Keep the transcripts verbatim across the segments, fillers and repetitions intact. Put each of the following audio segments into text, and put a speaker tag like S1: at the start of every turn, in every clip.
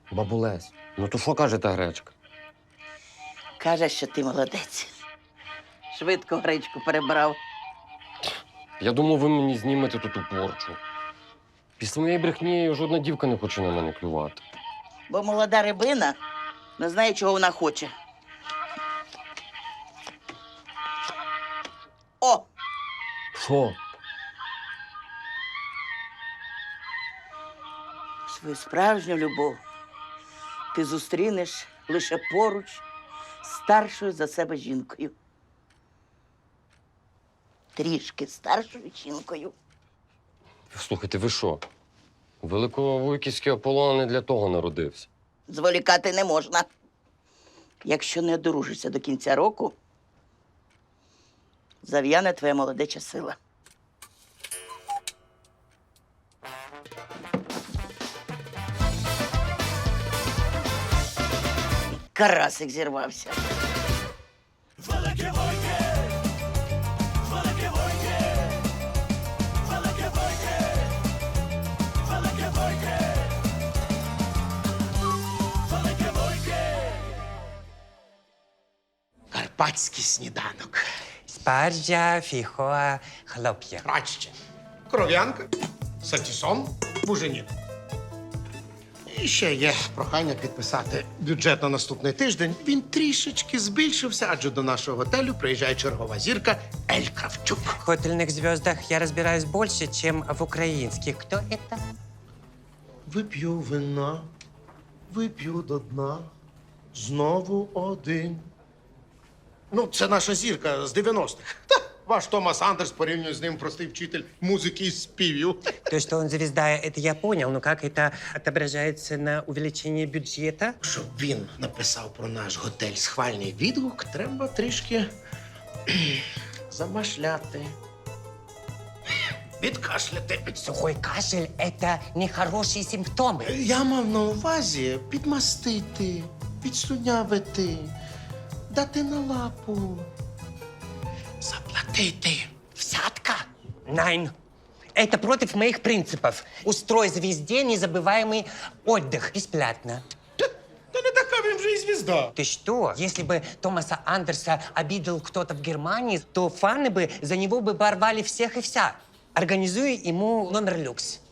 S1: Бабулесь, ну то що каже та гречка?
S2: Каже, що ти молодець. Швидко гречку перебрав.
S1: Я думав, ви мені знімете тут у порчу. Після моєї брехні жодна дівка не хоче на мене клювати.
S2: Бо молода рибина не знає, чого вона хоче. О!
S1: Що?
S2: Свою справжню любов ти зустрінеш лише поруч з старшою за себе жінкою. Трішки старшою жінкою.
S1: Слухайте, ви що? Великовуйківський Аполлон не для того народився.
S2: Зволікати не можна. Якщо не одружишся до кінця року, зав'яне твоя молодеча сила. Карасик зірвався.
S3: Карпатський сніданок.
S4: Спаржа, фіхоа, хлоп'я.
S3: Краще. Кров'янка, сатісон, буженін. І ще є прохання підписати бюджет на наступний тиждень. Він трішечки збільшився, адже до нашого готелю приїжджає чергова зірка Ель Кравчук.
S4: В хотельных звездах я разбираюсь больше, чем в украинских. Кто это?
S3: Вип'ю вина, вип'ю до дна, знову один. Ну, це наша зірка з дев'яностих. Та, ваш Томас Андерс порівнює з ним простий вчитель музики і співів.
S4: То, что он звезда, это я понял, но как это отображается на увеличении бюджета?
S3: Щоб він написав про наш готель схвальний відгук, треба трішки замашляти, відкашляти.
S4: Сухой кашель – это нехорошие симптомы.
S3: Я мав на увазі підмастити, підслюнявити, дати на лапу, заплатити.
S4: Взятка? Найн. Это против моих принципов. Устрой звезде незабываемый отдых. Бесплатно.
S3: Та не така він вже і звізда.
S4: Ты что? Если бы Томаса Андерса обидел кто-то в Германии, то фаны бы за него бы порвали всех и вся. Организуй ему номер люкс.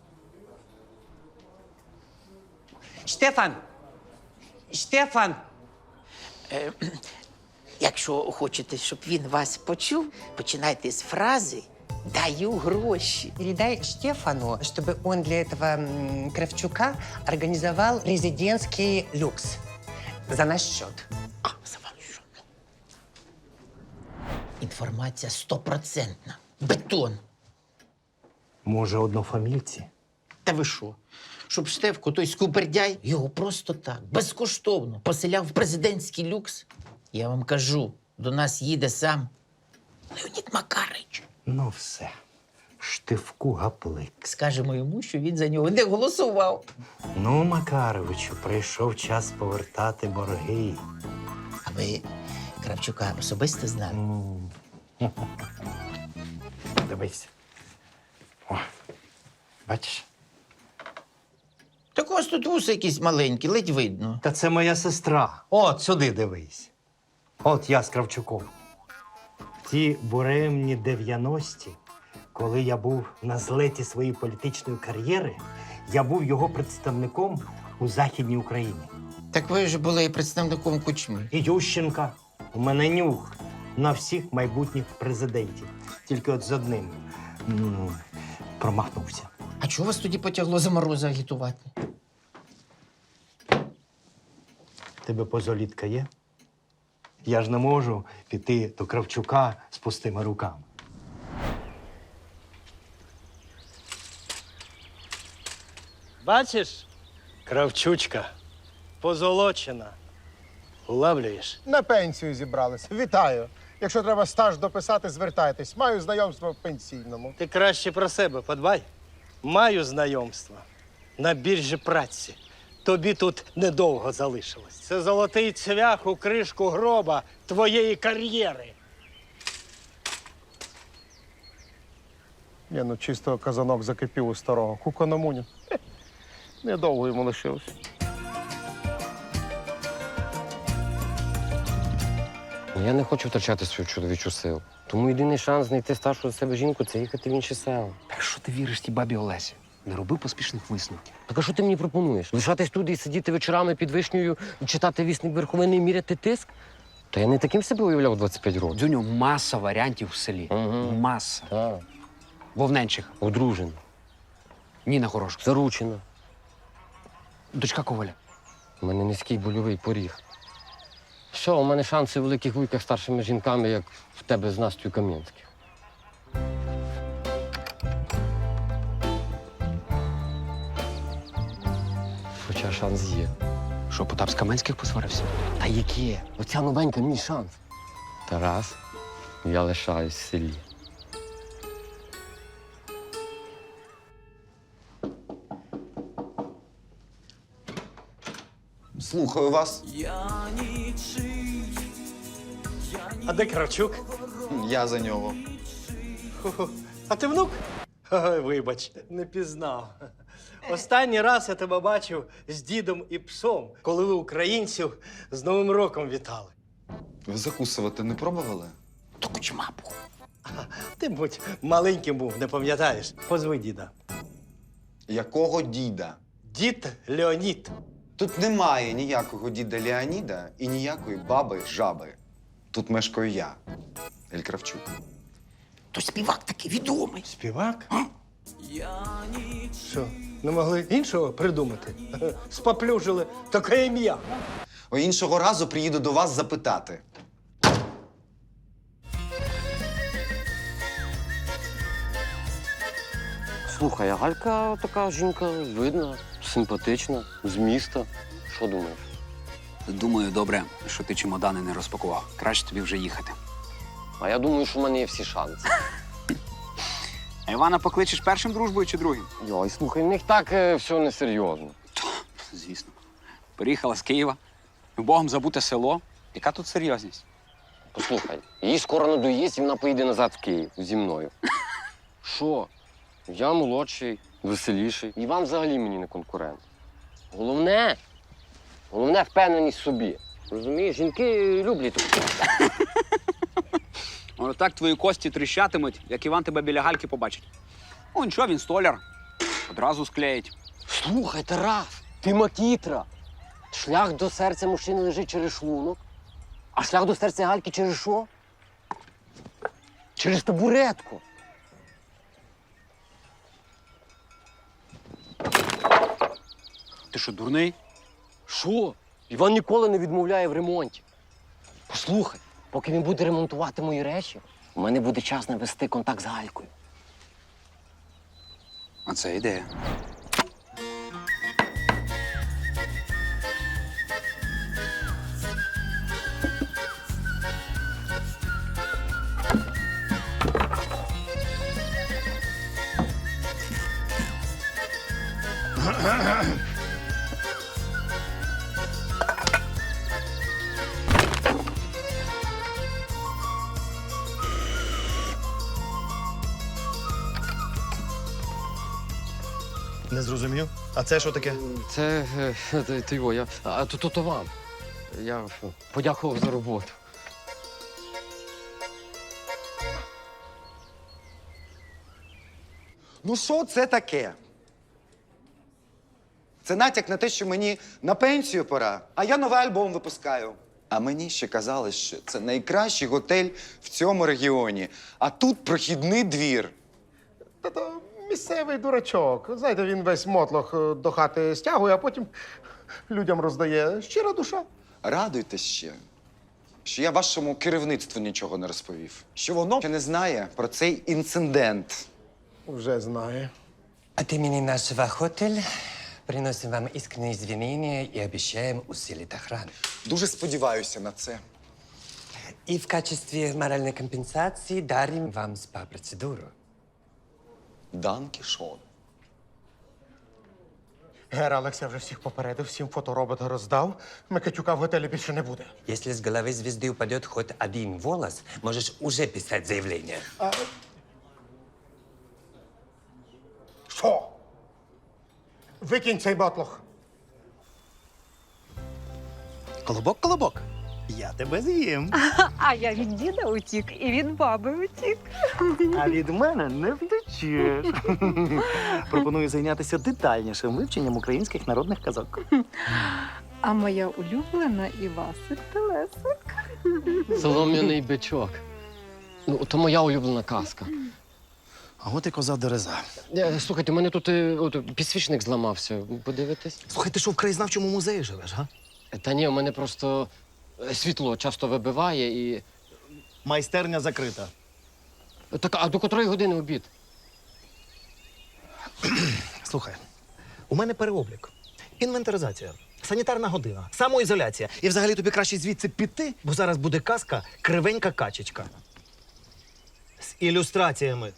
S4: Штефан! Штефан!
S2: Якщо хочете, щоб він вас почув, починайте з фрази «даю гроші».
S4: Передай Штефану, чтобы он для этого м, Кравчука организовал резидентский люкс. За наш счет.
S2: А, за ваш що? Інформація стопроцентна. Бетон.
S5: Може, однофамільці?
S6: Та ви що? Щоб Штефко, той скупердяй, його просто так, безкоштовно поселяв в президентський люкс. Я вам кажу, до нас їде сам Леонід Макарич.
S5: Ну все. Штивку гаплик.
S6: Скажемо йому, що він за нього не голосував.
S5: Ну, Макаровичу, прийшов час повертати борги.
S6: А ви Кравчука особисто знали?
S5: М. Дивись. О, бачиш?
S6: Так у вас тут вуси якісь маленькі, ледь видно.
S5: Та це моя сестра. От сюди дивись. От я з Кравчуком. В ті буремні дев'яності, коли я був на злеті своєї політичної кар'єри, я був його представником у Західній Україні.
S6: Так ви ж були представником Кучми.
S5: І Ющенка. У мене нюх на всіх майбутніх президентів. Тільки от з одним м, промахнувся.
S6: А чого вас тоді потягло за Мороза агітувати?
S5: Тебе позолітка є? Я ж не можу піти до Кравчука з пустими руками.
S7: Бачиш, Кравчучка, позолочена. Улавлюєш?
S8: На пенсію зібрались. Вітаю. Якщо треба стаж дописати, звертайтесь. Маю знайомство в пенсійному.
S7: Ти краще про себе подбай. Маю знайомство на біржі праці. Тобі тут недовго залишилось. Це золотий цвях у кришку гроба твоєї кар'єри.
S8: Ні, ну чисто казанок закипів у старого. Кукономунін. Недовго йому лишилось.
S1: Ну, я не хочу втрачати свою чоловічу силу. Тому єдиний шанс знайти старшу за себе жінку це їхати в інші села.
S9: Так що ти віриш тій бабі Олесі? Не роби поспішних висновків.
S1: Так а що ти мені пропонуєш? Лишатись тут і сидіти вечорами під вишнею, читати вісник Верховини і міряти тиск? Та я не таким себе уявляв двадцять п'ять років.
S9: Дзюню, маса варіантів в селі.
S1: Ага.
S9: Маса.
S1: Так.
S9: Вовненчиха,
S1: Одружена,
S9: Ніна Хорошка,
S1: заручена.
S9: дочка Коваля.
S1: У мене низький больовий поріг. Що, у мене шанси в великих вуйках старшими жінками, як в тебе з Настю Кам'янських. Хоча шанс є.
S9: Що, Потап з Каменських посварився?
S1: Та яке? Оця новенька мій шанс. Тарас, я лишаюсь в селі.
S10: Слухаю вас.
S7: А де Кравчук?
S10: Я за нього.
S7: Хо-хо. А ти внук? Ой, вибач, не пізнав. Останній раз я тебе бачив з дідом і псом, коли ви українців з Новим роком вітали.
S10: Ви закусувати не пробували?
S9: То кучма був.
S7: Ти, будь, маленьким був, не пам'ятаєш. Позви діда.
S10: Якого діда?
S7: Дід Леонід.
S10: Тут немає ніякого діда Леоніда і ніякої баби жаби. Тут мешкаю я, Ель Кравчук.
S9: То співак такий відомий.
S7: Співак? Що, не могли іншого придумати? Споплюжили таке ім'я.
S10: О, іншого разу приїду до вас запитати.
S1: Слухай, а Галька така жінка видна, симпатична, з міста. Що думаєш?
S9: Думаю, добре, що ти чемодани не розпакував. Краще тобі вже їхати.
S1: А я думаю, що в мене є всі шанси.
S9: А Івана покличеш першим дружбою чи другим?
S1: Йой, слухай, в них так е, все несерйозно.
S9: Звісно. Приїхала з Києва, Богом забуте село. Яка тут серйозність?
S1: Послухай, їй скоро надоїсть, і вона поїде назад в Київ зі мною. Що? Я молодший, веселіший. Іван взагалі мені не конкурент. Головне, головне впевненість в собі. Розумієш, жінки люблять таке.
S9: Воно так твої кості тріщатимуть, як Іван тебе біля Гальки побачить. О, нічого, він столяр. Одразу склеїть.
S1: Слухай, Тарас, ти макітра. Шлях до серця мужчини лежить через шлунок, а шлях до серця Гальки через що? Через табуретку.
S9: Ти що, дурний?
S1: Що? Іван ніколи не відмовляє в ремонті. Послухай, поки він буде ремонтувати мої речі, у мене буде час навести контакт з Галькою.
S9: А це ідея.
S8: Не зрозумів. А це що таке?
S1: Це е, ти- ти його, я. А то, то, то вам. Я е, подякував за роботу.
S10: Ну що це таке? Це натяк на те, що мені на пенсію пора, а я новий альбом випускаю. А мені ще казали, що це найкращий готель в цьому регіоні. А тут прохідний двір.
S8: Та то місцевий дурачок. Знаєте, він весь мотлох е, до хати стягує, а потім людям роздає. Щира душа.
S10: Радуйтесь ще, що я вашому керівництву нічого не розповів. Що воно ще не знає про цей інцидент.
S8: Вже знає.
S4: От имени нашего отеля приносим вам искренние извинения и обещаем усилить охрану.
S10: Дуже сподіваюся на це.
S4: И в качестве моральной компенсации дарим вам спа-процедуру.
S10: Дан Кішон.
S8: Гера Олекса вже всіх попередив, всім фоторобота роздав. Микитюка в готелі більше не буде.
S4: Если с головы звезды упадет хоть один волос, можешь уже писать заявление.
S8: Що? Викинь цей мотлох.
S9: Колобок, колобок.
S5: Я тебе з'їм.
S11: А я від діда утік і від баби утік.
S12: А від мене не втечеш. Пропоную зайнятися детальнішим вивченням українських народних казок.
S11: А моя улюблена Івасик Телесик.
S1: Солом'яний бичок. Ну, то моя улюблена казка.
S12: А от і коза Дереза.
S1: Е, Слухайте, у мене тут е, от, підсвічник зламався. Подивитесь?
S12: Слухай, ти що в краєзнавчому музеї живеш, га?
S1: Е, Та ні, у мене просто е, світло часто вибиває і.
S12: Майстерня закрита.
S1: Так, а до котрої години обід?
S12: Слухай, у мене переоблік, інвентаризація, санітарна година, самоізоляція. І взагалі тобі краще звідси піти, бо зараз буде казка «Кривенька качечка». З ілюстраціями.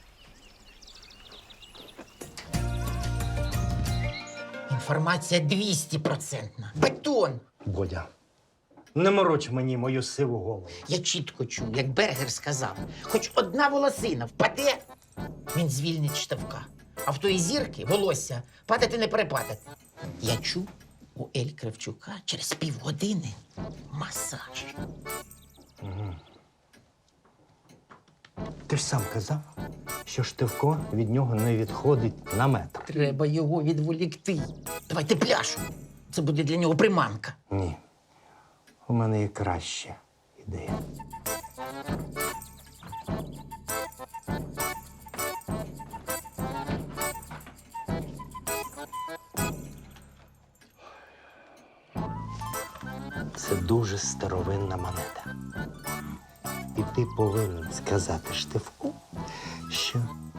S6: Інформація двісті процентна. Бетон!
S5: Бодя, не мороч мені мою сиву голову.
S6: Я чітко чув, як Бергер сказав, хоч одна волосина впаде, він звільнить штовка. А в тої зірки волосся падати не перепадати. Я чув у Ель Кравчука через півгодини масаж.
S5: Ти ж сам казав, що Штивко від нього не відходить на метр.
S6: Треба його відволікти. Давайте пляшу. Це буде для нього приманка.
S5: Ні. У мене є краща ідея. Це дуже старовинна монета. І ти повинен сказати Штивку, що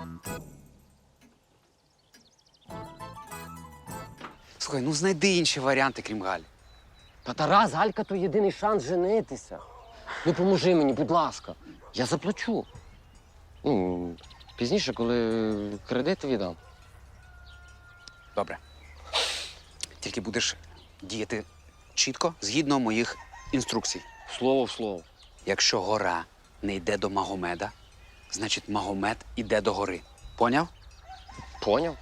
S9: Слухай, ну знайди інші варіанти, крім Галі.
S1: Та Тарас, Галька то єдиний шанс женитися. Ну, поможи мені, будь ласка. Я заплачу. Ну, пізніше, коли кредит віддам.
S9: Добре. Тільки будеш діяти чітко, згідно моїх інструкцій.
S1: Слово в слово.
S9: Якщо гора не йде до Магомеда, значить Магомед іде до гори. Поняв?
S1: Поняв?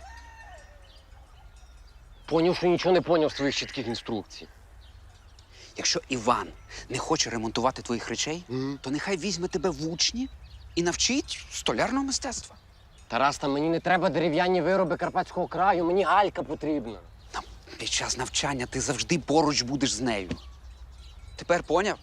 S1: Поняв, що нічого не поняв з твоїх чітких інструкцій.
S9: Якщо Іван не хоче ремонтувати твоїх речей,
S1: Мгм.
S9: то нехай візьме тебе в учні і навчить столярного мистецтва.
S1: Тарас, та мені не треба дерев'яні вироби Карпатського краю, мені Галька потрібна.
S9: Під час навчання ти завжди поруч будеш з нею. Тепер поняв?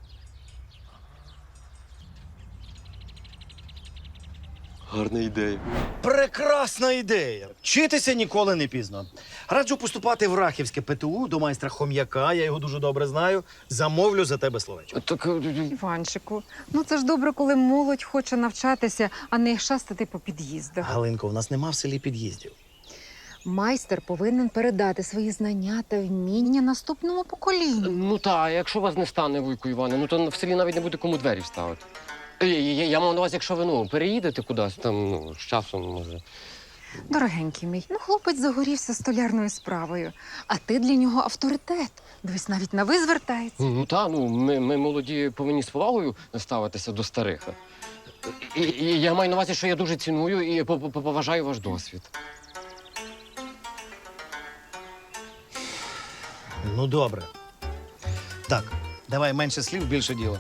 S1: Гарна ідея.
S12: Прекрасна ідея! Вчитися ніколи не пізно. Раджу поступати в Рахівське ПТУ до майстра Хом'яка, я його дуже добре знаю. Замовлю за тебе словечко.
S1: Так, е,
S11: Іванчику, ну це ж добре, коли молодь хоче навчатися, а не шастати по під'їздах.
S12: Галинко, у нас нема в селі під'їздів.
S11: Майстер повинен передати свої знання та вміння наступному поколінню.
S1: ну та, а якщо вас не стане, Вуйку Іване, ну то в селі навіть не буде кому двері вставити. Я, я, я мав на увазі, якщо ви ну, переїдете кудись, там ну, з часом може.
S11: Дорогенький мій, ну хлопець загорівся столярною справою, а ти для нього авторитет. Дивись, навіть на ви звертається.
S1: Ну та, ну ми, ми молоді повинні з повагою ставитися до старих. І, і я маю на увазі, що я дуже ціную і по- по- поважаю ваш досвід.
S12: Ну, добре. Так, давай менше слів, більше діла.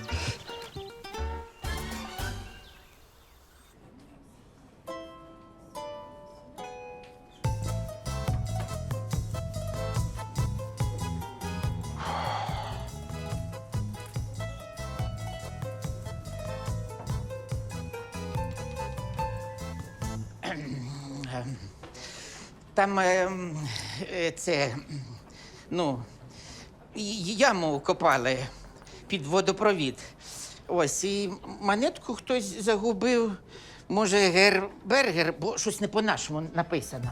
S6: Там ем, е, це, ну, і- яму копали під водопровід. Ось, і монетку хтось загубив. Може, Гербергер, бо щось не по-нашому написано.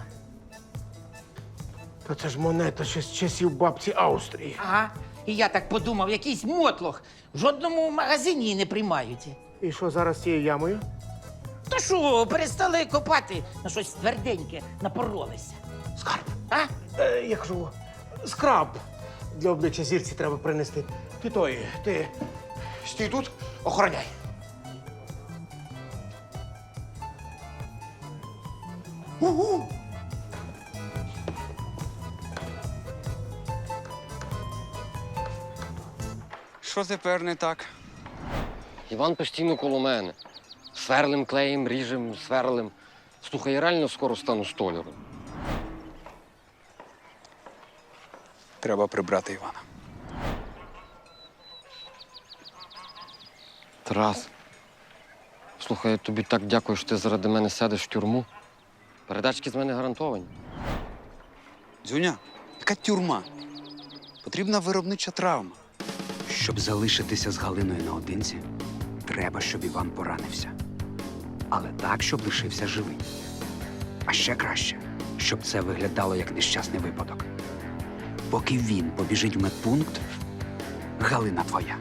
S8: Та це ж монета ще з часів бабці Австрії.
S6: Ага. І я так подумав, якийсь мотлох. В жодному магазині її не приймають.
S8: І що зараз з цією ямою?
S6: То що, перестали копати на щось тверденьке, напоролися.
S8: Скарб.
S6: А?
S8: Е, я кажу, скраб для обличчя зірці треба принести. Ти той, ти стій тут, охороняй. Угу.
S9: що тепер не так?
S1: Іван постійно коло мене. Сверлим, клеєм, ріжем, сверлим. Слухай, я реально скоро стану столяром.
S9: Треба прибрати Івана.
S1: Тарас, слухай, я тобі так дякую, що ти заради мене сядеш в тюрму. Передачки з мене гарантовані.
S9: Дзюня, яка тюрма? Потрібна виробнича травма. Щоб залишитися з Галиною наодинці, треба, щоб Іван поранився. Але так, щоб лишився живий. А ще краще, щоб це виглядало як нещасний випадок. Поки він побіжить в медпункт, Галина твоя.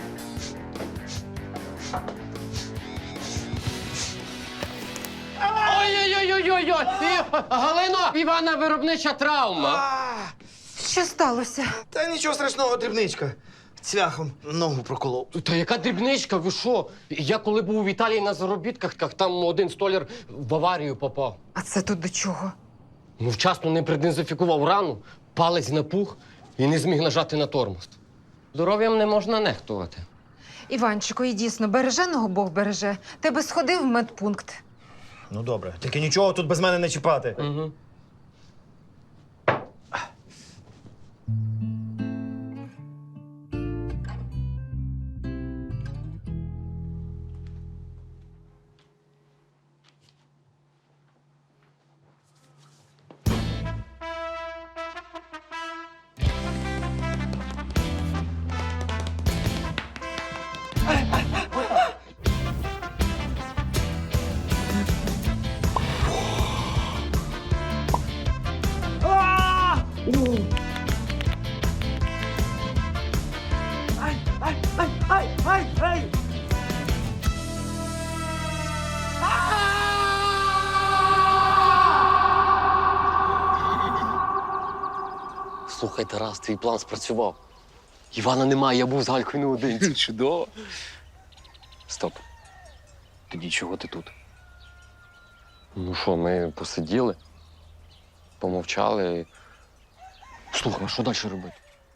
S1: Ой-ой-ой-ой-ой! Галино, Івана виробнича травма.
S11: Що сталося?
S12: Та нічого страшного, дрібничка. Цвяхом ногу проколов.
S1: Та яка дрібничка, ви що? Я коли був в Італії на заробітках, так там один столяр в аварію попав.
S11: А це тут до чого?
S1: Ну, вчасно не продезінфікував рану, палець напух і не зміг нажати на тормоз. Здоров'ям не можна нехтувати.
S11: Іванчику, і дійсно, береженого Бог береже. Ти би сходив в медпункт.
S12: Ну добре, тільки нічого тут без мене не чіпати.
S1: Угу. Слухай, Тарас, твій план спрацював. Івана немає, я був з Галькою наодинці.
S9: Чудово. Стоп. Тоді чого ти тут?
S1: Ну що, ми посиділи, помовчали. Слухай, а що далі робити?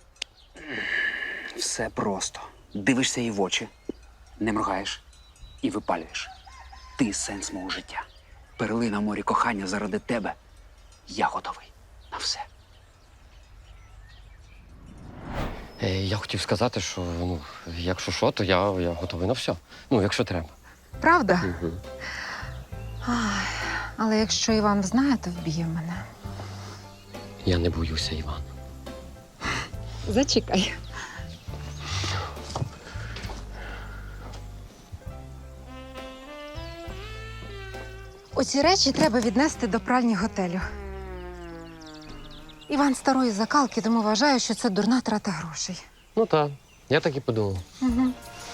S9: Все просто. Дивишся їй в очі, не моргаєш і випалюєш. Ти сенс мого життя. Перлина в морі кохання заради тебе. Я готовий на все.
S1: Е, я хотів сказати, що ну, якщо що, то я, я готовий на все. Ну, якщо треба.
S11: Правда?
S1: Угу.
S11: Ай, але якщо Іван знає, то вб'є мене.
S1: Я не боюся, Іван.
S11: Зачекай. Оці речі треба віднести до пральні готелю. Іван старої закалки, тому вважаю, що це дурна трата грошей.
S1: Ну так, я так і подумав.
S11: Угу.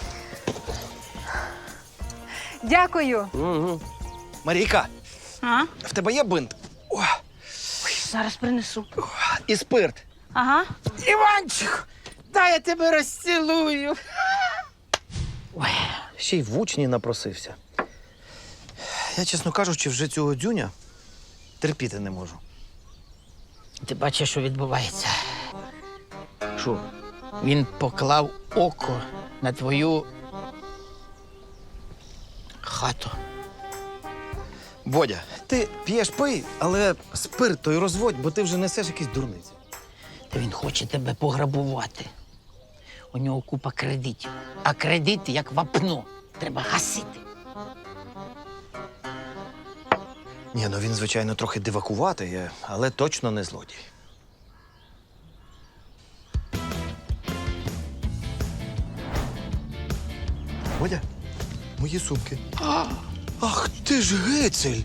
S11: Дякую.
S1: Угу.
S12: Марійка,
S2: А?
S12: в тебе є бинт? О,
S2: Зараз принесу.
S12: і спирт.
S2: Ага.
S6: Іванчик, дай я тебе розцілую.
S12: Ще й в учні напросився. Я, чесно кажучи, вже цього дзюня терпіти не можу.
S6: Ти бачиш, що відбувається?
S12: Що?
S6: Він поклав око на твою хату.
S12: Бодя, ти п'єш пий, але спирт той розводь, бо ти вже несеш якісь дурниці.
S6: Та він хоче тебе пограбувати. У нього купа кредитів. А кредити як вапно. Треба гасити.
S12: Ні, ну він, звичайно, трохи дивакуватий, але точно не злодій. Бодя, мої сумки. Ах, ти ж гицель!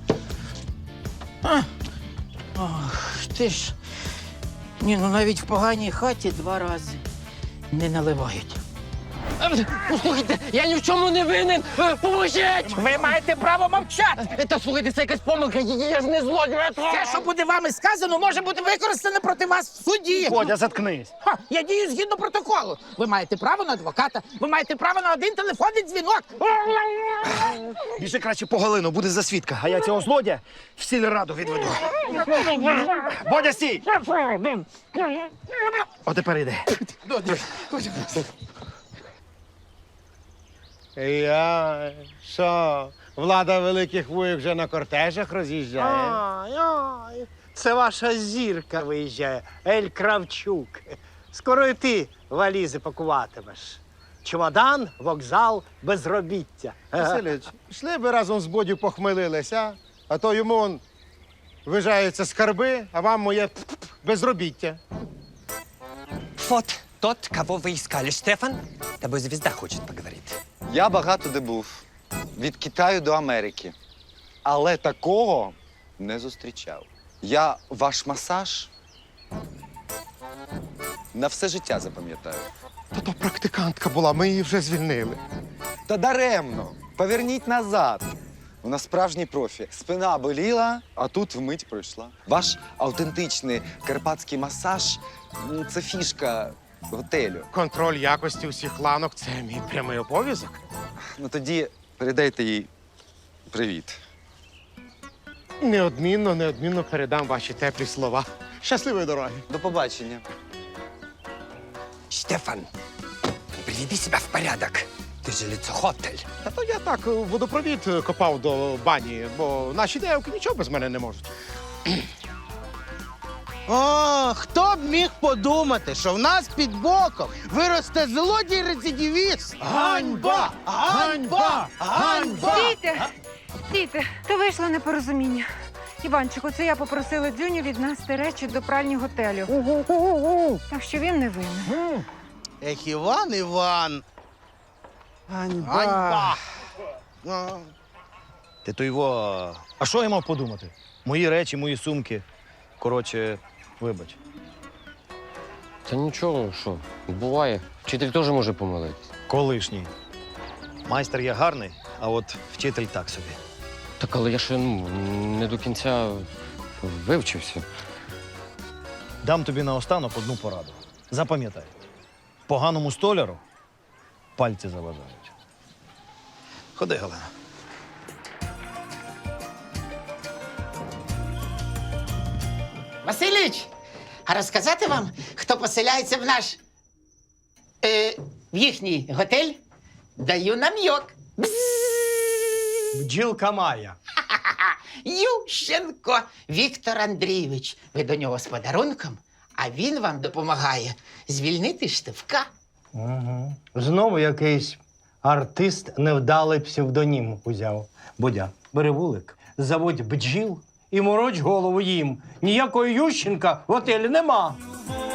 S6: Ох, ти ж. Ні, ну навіть в поганій хаті два рази не наливають.
S1: Слухайте, я ні в чому не винен! Е, Поможіть!
S6: Ви маєте право мовчати!
S1: Е, Та слухайте, це якась помилка, я я ж не злодій!
S6: Те, що буде вами сказано, може бути використане проти вас в суді.
S12: Бодя, заткнись.
S6: Ха, я дію згідно протоколу. Ви маєте право на адвоката, ви маєте право на один телефонний дзвінок.
S12: Біжи краще по Галину, буде за свідка, а я цього злодя в сільраду відведу. Бодя, стій! О, тепер йди.
S3: Я що, влада великих вуїк вже на кортежах роз'їжджає?
S7: Ай, ай, це ваша зірка виїжджає, Ель Кравчук. Скоро і ти валізи пакуватимеш. Чемодан, вокзал, безробіття.
S3: Василич, йшли би разом з Бодю похмелилися, а то йому он вижаються скарби, а вам моє безробіття.
S4: Вот тот, кого вы искали, Штефан. С тобой звезда хочет поговорить.
S10: Я багато де був. Від Китаю до Америки. Але такого не зустрічав. Я ваш масаж на все життя запам'ятаю.
S3: Та то практикантка була, ми її вже звільнили.
S10: Та даремно. Поверніть назад. Вона справжній профі. Спина боліла, а тут вмить пройшла. Ваш автентичний карпатський масаж ну, це фішка готелю.
S3: Контроль якості усіх ланок це мій прямий обов'язок.
S10: Ну тоді передайте їй привіт.
S3: Неодмінно, неодмінно передам ваші теплі слова. Щасливої дороги.
S10: До побачення.
S4: Штефан, приведи себя в порядок. Ты же лицо хотель.
S3: Та то я так водопровід копав до бані, бо наші девки нічого без мене не можуть.
S13: О, хто б міг подумати, що в нас під боком виросте злодій-рецидивіст? Ганьба! Ганьба! Ганьба!
S11: Стійте! Стійте! То вийшло непорозуміння. Іванчику, це я попросила Дзюню віднести речі до пральні готелю. Так що він не винен.
S13: Ех, Іван, Іван!
S12: Ганьба.
S13: Ганьба! А.
S12: Ти то його. А що я мав подумати? Мої речі, мої сумки. Коротше, вибач.
S1: Та нічого, що, буває. Вчитель теж може помилитись.
S12: Колишній. Майстер я гарний, а от вчитель так собі.
S1: Так, але я ще ну, не до кінця вивчився.
S12: Дам тобі наостанок одну пораду. Запам'ятай, поганому столяру пальці заважають. Ходи, Галина.
S6: Василіч, а розказати вам, хто поселяється в наш е, в їхній готель? Даю нам'йок.
S12: Бджілка Майя.
S6: Ющенко Віктор Андрійович. Ви до нього з подарунком, а він вам допомагає звільнити Штивка.
S5: Угу. Знову якийсь артист невдалий псевдонім узяв. Будя, бери вулик, заводь бджіл і мороч голову їм. Ніякого Ющенка в готелі нема.